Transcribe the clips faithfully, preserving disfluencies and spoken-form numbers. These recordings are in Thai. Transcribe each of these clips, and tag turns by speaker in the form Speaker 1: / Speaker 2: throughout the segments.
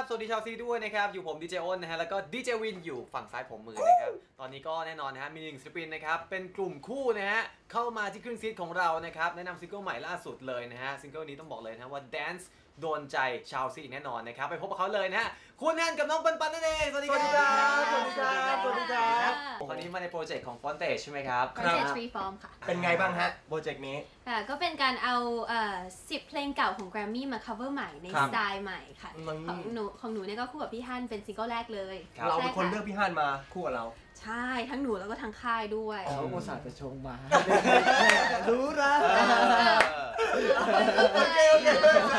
Speaker 1: สวัสดีชาวซีด้วยนะครับอยู่ผมดีเจอ้นนะฮะแล้วก็ดีเจวินอยู่ฝั่งซ้ายผมมือนะครับตอนนี้ก็แน่นอนนะฮะมีหนึ่งศิลปินนะครับเป็นกลุ่มคู่นะฮะเข้ามาที่ครึ่งซีของเรานะครับแนะนำซิงเกิลใหม่ล่าสุดเลยนะฮะซิงเกิลนี้ต้องบอกเลยนะว่า Dance โดนใจชาวซีแน่นอนนะครับไปพบกับเขาเลยนะฮะคุณแอนกับน้องปันปันนั่นเองสวัสดีครับ
Speaker 2: สวัสดีครับสวัสดีครับ
Speaker 1: ตอนนี้มาในโปรเจกต์ของ Frontage ใช่ไหมครับ
Speaker 3: Frontage Freeform ค่ะ
Speaker 2: เป็นไงบ้างฮะโปรเจกต์นี้
Speaker 3: ค่ะก็เป็นการเอาสิบเพลงเก่าของ Grammy มา cover ใหม่ในสไตล์ใหม่ค่ะของหนูของหนูเนี่ยก็คู่กับพี่ฮั่นเป็นซิงเกิลแรกเลย
Speaker 2: เราเป็นคนเลือกพี่ฮั่นมาคู่กับเรา
Speaker 3: ใช่ทั้งหนูแล้วก็ทั้งค่ายด้วย
Speaker 4: เขาโมสาจะชงมารู้นะ
Speaker 2: โอเคโอเค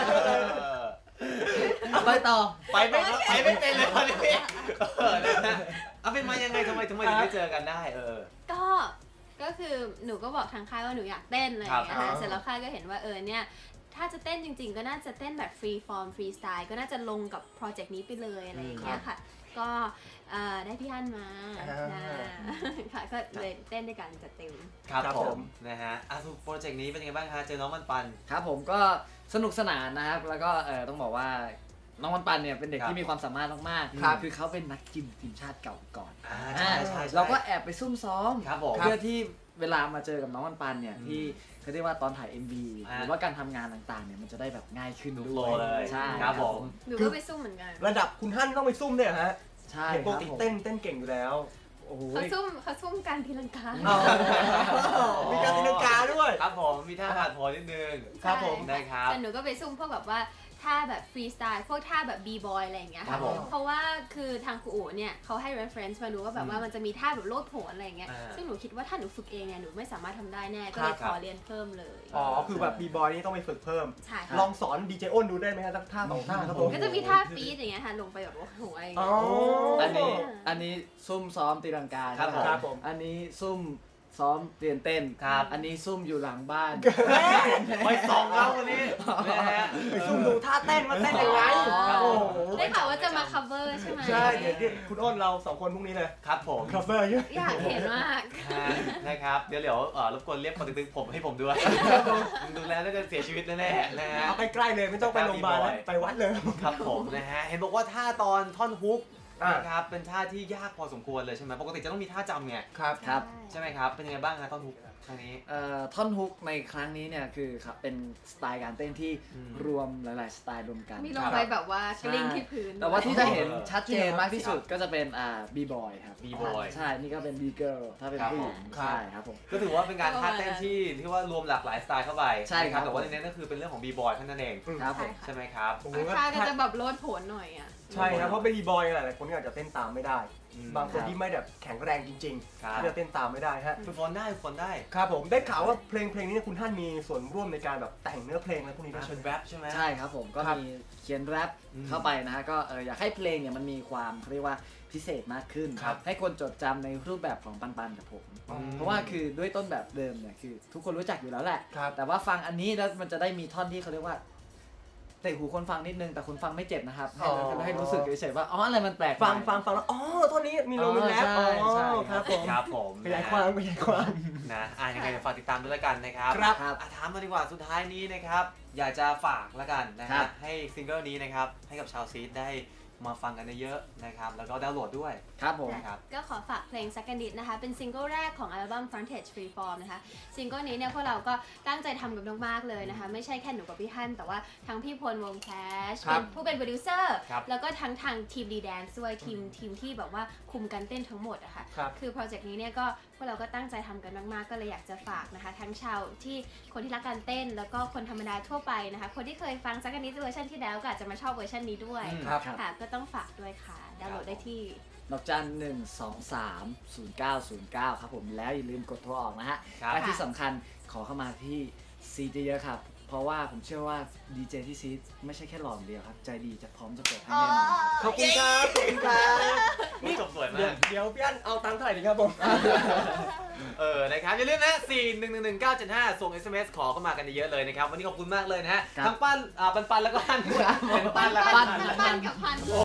Speaker 4: ไปต่อ
Speaker 1: ไปไม่ไปไม่เป็นเลยตอนนี้เอาเป็นมายังไงทำไมทำไมถึงได้เจอกันได้เออ
Speaker 3: ก็ก็คือหนูก็บอกทางค่ายว่าหนูอยากเต้นอะไรอย่างเงี้ยเสร็จแล้วค่ายก็เห็นว่าเออเนี่ยถ้าจะเต้นจริงๆก็น่าจะเต้นแบบฟรีฟอร์มฟรีสไตล์ก็น่าจะลงกับโปรเจกต์นี้ไปเลยอะไรอย่างเงี้ยค่ะก็ได้พี่ฮั่นมาค่ะก็เลยเต้นด้วยกันจัดเต็ม
Speaker 1: ครับผมนะฮะอ่ะทุกโปรเจกต์นี้เป็นยังไงบ้างคะเจอน้องมันปัน
Speaker 4: ครับผมก็สนุกสนานนะครับแล้วก็เออต้องบอกว่าน้องมันปันเนี่ยเป็นเด็กที่มีความสามารถมากๆคือเขาเป็นนักกินทีมชาติเก่าก่อนเราก็แอบไปซุ่มซ้อมเพื่อที่เวลามาเจอกับน้องมันปันเนี่ยที่เขาเรียกว่าตอนถ่าย เอ็ม วี หรือว่าการทำงานต่างๆเนี่ยมันจะได้แบบง่ายขึ้นด้วย
Speaker 1: ใช่ครับผม
Speaker 3: หนูก็ไปซุ่มเหมือนกัน
Speaker 2: ระดับคุณฮั่นต้องไปซุ่มเนี่ยฮะ
Speaker 4: ใช่
Speaker 2: เห็นปกติเต้นเต้นเก่งอยู่แล้ว
Speaker 3: เขาซุ่มเขาซุ่มการทีลังกา
Speaker 2: มีการตีลังกาด้วย
Speaker 1: ครับผมมีท่าผ่านพอนิดนึง
Speaker 2: ครับผม
Speaker 1: ได้ครับ
Speaker 3: แต่หนูก็ไปซุ่มพวกแบบว่าท่าแบบฟรีสไตล์พวกท่าแบบบีบอยอะไรอย่างเงี้ยค่ะเพราะว่าคือทางครูอู๋เนี่ยเขาให้ reference มาดูว่าแบบว่ามันจะมีท่าแบบโลดโผนอะไรอย่างเงี้ยซึ่งหนูคิดว่าถ้าหนูฝึกเองเนี่ยหนูไม่สามารถทำได้แน่ก็เลยขอเรียนเพิ่มเลย
Speaker 2: อ๋อคือแบบบีบอยนี่ต้องไปฝึกเพิ่มลองสอนดีเจอ้นดูได้ไหมฮะสักท่าสองท่าครับผม
Speaker 3: ก็จะมีท่าฟีดอย่างเงี้ยค่ะลงไปแบบโอ้ย
Speaker 4: อันนี้อันนี้ซุ่มซ้อมตีลังกา
Speaker 2: ครับผม
Speaker 4: อันนี้ซุ่มซ้อมเรียนเต้นครับอันนี้ซุ่มอยู่หลังบ้าน
Speaker 1: ไปส่องเราวันนี้
Speaker 2: ไปซุ่มดูท่าเต้นมาเต้นยังไง
Speaker 3: ได้ข่าวว่าจะมา cover ใช่ไหม
Speaker 2: ใช่เดี๋ยวคุณอ้นเราสองคนพรุ่งนี้เลย
Speaker 1: ครับผม
Speaker 2: cover เยอะ
Speaker 3: อยากเห็นมาก
Speaker 1: นะครับเดี๋ยวเดี๋ยวรบกวนเรียกคนตึงๆผมให้ผมด้วยดูแลน่าจะเสียชีวิตแน่ๆนะฮะ
Speaker 2: เอาใกล้ๆเลยไม่ต้องไปโรงพยาบาลไปวัดเลย
Speaker 1: ครับผมนะฮะเห็นบอกว่าท่าตอนท่อนฮุกนะครับเป็นท่าที่ยากพอสมควรเลยใช่ไหมปกติจะต้องมีท่าจำไง
Speaker 2: ครับ
Speaker 4: ครับ
Speaker 1: ใช่ไหมครับเป็นยังไงบ้างครับท่อนฮุกครั้งนี้
Speaker 4: ท่อนฮุกในครั้งนี้เนี่ยคือครับเป็นสไตล์การเต้นที่รวมหลายๆสไตล์รวมกัน
Speaker 3: มีลงไปแบบว่ากลิ้งที่พื้น
Speaker 4: แต่ว่าที่จะเห็นชัดเจนมากที่สุดก็จะเป็นอ่าบีบอยครับ
Speaker 1: บีบอย
Speaker 4: ใช่นี่ก็เป็นบีเกิร์ลถ้าเป็นผู้หญิงใช่ครับผม
Speaker 1: ก็ถือว่าเป็นการท่าเต้นที่ที่ว่ารวมหลากหลายสไตล์เข้าไปใช่ครับแต่ว่าในนี้ก็คือเป็นเรื่องของบีบอยแค่นั้นเอง
Speaker 4: ครับ
Speaker 1: ใช่ไหมครับ
Speaker 3: ท่าก็จะแบบโลดโผนหน่อยอ่ะ
Speaker 2: ใช่ครับเพราะเป็นบีบอยหลายๆคนก็อาจจะเต้นตามไม่ได้บางคนที่ไม่แบบแข็งแรงจริงๆที่จะเต้นตามไม่ได้ฮะ
Speaker 1: ฝึกฝนได้ฝึกฝนได้
Speaker 2: ครับผมได้ข่าวว่าเพลงเพลงนี้คุณท่านมีส่วนร่วมในการแบบแต่งเนื้อเพลงอะไรพวกนี้
Speaker 1: ด้วยแรปใช่ไหม
Speaker 4: ใช่ครับผมก็มีเขียนแรปเข้าไปนะฮะก็อยากให้เพลงเนี่ยมันมีความเรียกว่าพิเศษมากขึ้นให้คนจดจำในรูปแบบของปันปันกับผมเพราะว่าคือด้วยต้นแบบเดิมเนี่ยคือทุกคนรู้จักอยู่แล้วแหละแต่ว่าฟังอันนี้แล้วมันจะได้มีท่อนที่เขาเรียกว่าเตะหูคนฟังนิดนึงแต่คนฟังไม่เจ็บนะครับให้รู้สึกเฉยๆว่าอ๋ออะไรมันแปลก
Speaker 2: ฟังฟังฟังแล้วอ๋อท่อนนี้มีลมมีแรปอ๋อครับผม
Speaker 1: ครับผม
Speaker 2: ขยายความขยายความ
Speaker 1: นะอ่ะยังไงฝากติดตามด้วยละกันนะครับ
Speaker 2: ครับ
Speaker 1: ถามมาดีกว่าสุดท้ายนี้นะครับอยากจะฝากละกันนะฮะให้ซิงเกิลนี้นะครับให้กับชาวซีดได้มาฟังกันเยอะนะครับแล้วก็ดาวน์โหลดด้วย
Speaker 4: ครับผม
Speaker 3: ก็ขอฝากเพลง Second Date นะคะเป็นซิงเกิลแรกของอัลบั้ม Frontage Freeform นะคะซิงเกิลนี้เนี่ยพวกเราก็ตั้งใจทำกันมากๆเลยนะคะไม่ใช่แค่หนูกับพี่ฮั่นแต่ว่าทั้งพี่พลวงแคชเป็นผู้เป็นโปรดิวเซอร์แล้วก็ทั้งทางทีมดีแดนซ์ด้วยทีมทีมที่แบบว่าคุมการเต้นทั้งหมดอะค่ะคือโปรเจกต์นี้เนี่ยก็พวกเราก็ตั้งใจทำกันมากๆก็เลยอยากจะฝากนะคะทั้งชาวที่คนที่รักการเต้นแล้วก็คนธรรมดาทั่วไปนะคะคนที่เคยฟัง Second Date เวอร์ชันที่แล้วก็อาจจะมาชอบเวอร์ชันนี้ด้วยค่ะก็ต้องฝากด้วยค่ะดาวน์โหลดได้ที่
Speaker 4: ดอกจันหนึ่งสองสามศูนย์เก้าศูนย์เก้าครับผมแล้วอย่าลืมกดโทรออกนะฮะและที่สำคัญขอเข้ามาที่ซีเยอะครับเพราะว่าผมเชื่อว่าดีเจที่ซีไม่ใช่แค่หล่อเดียวครับใจดีจะพร้อมจะเปิดให้แน่นอน
Speaker 2: ขอบคุณครับขอบคุณครับ
Speaker 1: นี่จบสวยมาก
Speaker 2: เดี๋ยวพี่อั้นเอาตังค์เท่าไหร่ดีครับผม
Speaker 1: เออนะครับอย่าลืมนะสี่หนึ่งหนึ่งหนึ่งเก้าเจ็ดห้าส่ง เอส เอ็ม เอส ขอเข้ามากันเยอะเลยนะครับวันนี้ขอบคุณมากเลยนะฮะทั้งปั้นปันปันแล้วก็ฮั่นปันปันและ
Speaker 3: ปันกับฮั่น